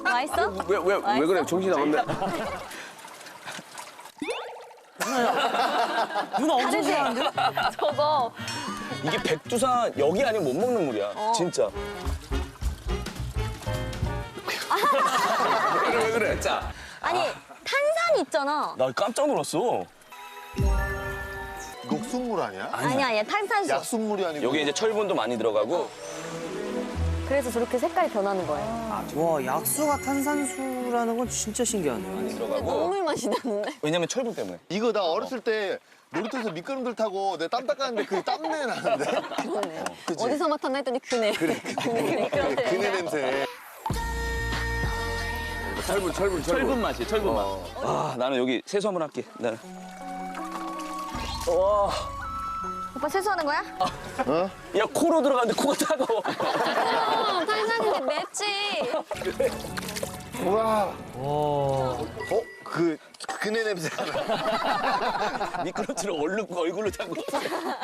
맛있어? 왜 그래? 정신 나갔네. 누나 엄청 다르지? 좋아하는데? 저거. 이게 백두산 여기 아니면 못 먹는 물이야. 진짜. 왜 그래? 진짜. 아니, 탄산 있잖아. 나 깜짝 놀랐어. 녹순물 아니야? 아니야, 탄산수. 약순물이 아니고. 여기 이제 철분도 많이 들어가고. 그래서 저렇게 색깔이 변하는 거예요. 와, 약수가 탄산수라는 건 진짜 신기하네요. 많이 들어가고. 너무 맛이 나는데? 왜냐면 철분 때문에. 이거 나 어렸을 때 놀이터에서 미끄럼들 타고 내 땀 닦았는데 그 땀내 나는데. 그러네. 그치? 어디서 맡았나 했더니 그네. 그래. 그네. 그네 냄새. 철분 맛이, 철분 맛. 아, 나는 여기 세수 한번 할게. 나는. 와, 오빠 세수하는 거야? 야 코로 들어가는데 코가 따가워. 탄산인데 맵지. 우와. 그네 냄새. 미끄럼틀을 얼른 얼굴로 타고.